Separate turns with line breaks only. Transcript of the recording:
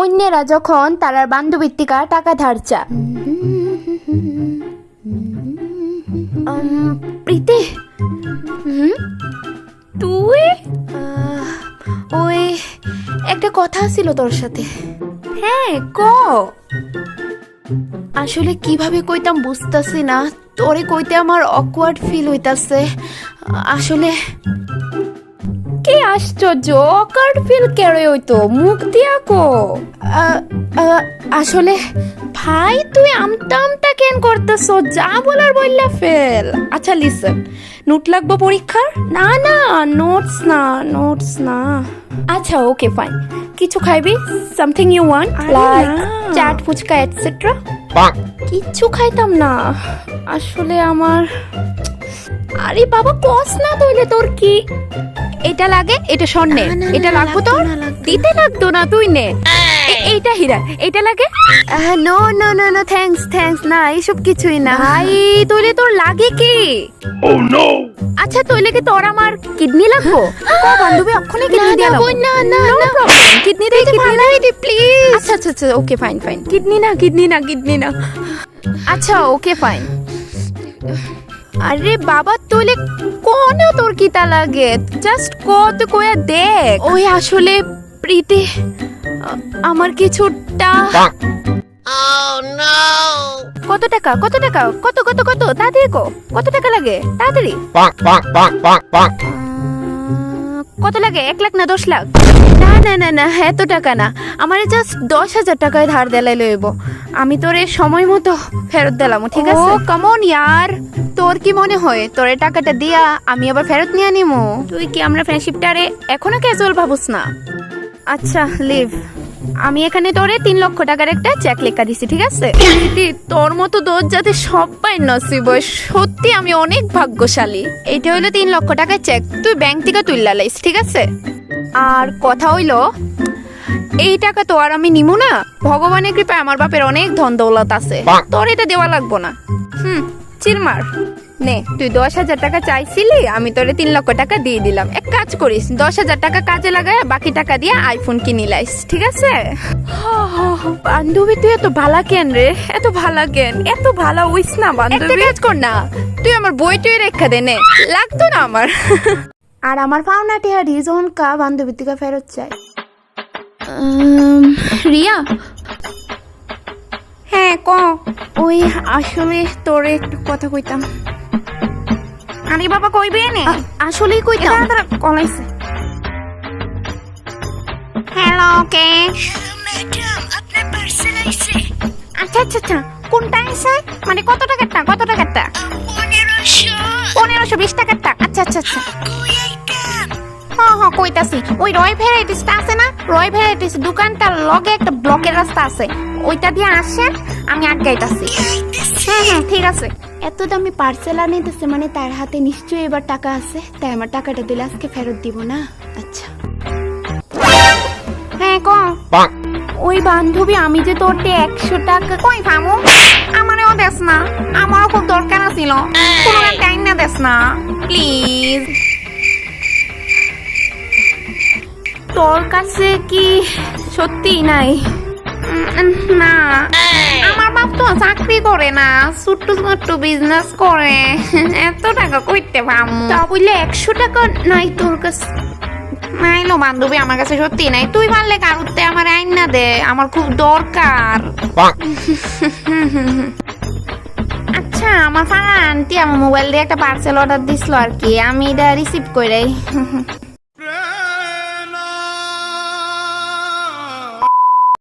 অন্যেরা যখন তারার বান্ধবীর থেকে টাকা ধার চা। প্রীতি, তুই ওই একটা কথা ছিল তোর সাথে। হ্যাঁ ক। আসলে কিভাবে কইতাম বুঝতাছি না, তোরে কইতে আমার অকওয়ার্ড ফিল হইতাছে। আসলে কি আশ্চর্য, অকওয়ার্ড ফিল কেড়ে হইতো, মুখ দিয়া কো। আসলে ভাই তুই আমতা আমতা কেন করতেছ, যা বলার বললা ফেল। আচ্ছা লিসেন, নোট লাগবো পরীক্ষার? না না, নোটস না। আচ্ছা ওকে ফাইন, কিছু খাইবি? Something you want like chaat, phuchka etcetera? কিচ্ছু খাইতাম না আসলে আমার। আরে বাবা কস না তইলে, তোর কি এটা লাগে? এটা স্বর্ণে, এটা লাগবো তোর? দিতে লাগতো না, তুই নে। এইটা হীরা, এইটা লাগে? No no no no, thanks না, এইসব কিছুই না। ভাই তইলে তোর লাগে কি? আচ্ছা তইলে কি তোর আমার কিডনি লাগবো? ও বান্ধবী অক্ষণে কিডনি দিয়া লাগবো। না না না প্রবলেম, কিডনি দে, প্লিজ। আচ্ছা ওকে ফাইন, কিডনি না। আচ্ছা ওকে ফাইন। আরে বাবা তইলে কোন তোর কিতা লাগে, জাস্ট কত কয়া দেখ। ওই আসলে প্রীতি আমার কিছুটা। কত টাকা কত তাড়াতাড়ি কত টাকা লাগে তাড়াতাড়ি। কত লাগে, 1 লাখ না 10 লাখ? না এত টাকা না, আমার জাস্ট 10,000 টাকায় ধার দেলাই লইব। আমি তোরে সময় মতো ফেরত দিলাম, ঠিক আছে? ও কাম অন ইয়ার, তোর কি মনে হয় তোর টাকাটা দিয়া আমি আবার ফেরত নিয়ে নিমু? তুই কি আমরা ফ্রেন্ডশিপটারে এখনো ক্যাজুয়াল ভাবুস না? আচ্ছা লিভ, আমি এখানে তোরে 3 লক্ষ টাকার একটা চেক লেখা দিছি, ঠিক আছে? তোর মতো দোষ যাতে সবাই নসিব হয়, সত্যি আমি অনেক ভাগ্যশালী। এইটা হইলো 3 লক্ষ টাকার চেক, তুই ব্যাংক থেকে তুইলা লাইস, ঠিক আছে? আর কথা হইলো এই টাকা তো আর আমি নিমু না, ভগবানের কৃপায় আমার বাপের অনেক ধন দৌলত আছে, তোর এটা দেওয়া লাগবো না। চিল মার নে, তুই 10,000 টাকা চাইছিলি, আমি তোরে 3 লক্ষ টাকা দিয়ে দিলাম। এক কাজ করিস, 10,000 টাকা কাজে লাগায় বাকি টাকা দিয়ে আইফোন কিনি লাইস, ঠিক আছে? বান্ধবী তুই এত ভালা কেন রে, এত ভালা হইস না বান্ধবী। একটা কাজ কর না, তুই আমার বইটুই রেখা দে, নে, লাগতো না আমার। আর আমার পাওনা টিয়া রিজন কা বান্ধবী থেকে ফেরত চাই। রিয়া, হ্যাঁ ক। ওই আসলে তোরে একটু কথা কইতাম। আরে বাবা কইবে নে, আসলেই কইতাম। কলাইছে। হ্যালো কে?
ম্যাডাম আপনার পার্সেল আইছে।
আচ্ছা কোনটা আইছে? মানে কত টাকারটা? 1520 টাকারটা? আচ্ছা
কই আইটেম?
হ্যাঁ কইতাছি। ওই রয় ভ্যারাইটিসটা আছে না, রয় ভ্যারাইটিস দোকানটার লগে একটা ব্লকের রাস্তা আছে, ওইটা দিয়ে আসেন, আমি আটকাইতাছি। হ্যাঁ ঠিক আছে। এত দামি পার্সেল আনিতেছে মানে তার হাতে নিশ্চয়ই এবার টাকা আছে, তাই আমার টাকাটা দিলে আজকে ফেরত দিব না। আচ্ছা হ্যাঁ ক। ওই বান্ধবী আমি যে তোরতে 100 টাকা কই ফামু, আমারও দেস না, আমারও খুব দরকার ছিল, কোনো টাইম না দেস না প্লিজ। তোর কাছে কি সত্যি নাই? না, আমার বাপ তো চাকরি করে না, ছোট্ট বিজনেস করে, এত টাকা কইতে পামু? তা বললে 100 টাকা নাই তোর কাছে? নাইলো বান্ধবী, আমার কাছে সত্যি নাই। তুই পারলে কারুতে আমার আইন না দে, আমার খুব দরকার। আচ্ছা আমার ফারা আন্টি আমার মোবাইল দিয়ে একটা পার্সেল অর্ডার দিছিল আর কি, আমি এটা রিসিভ কইরাই।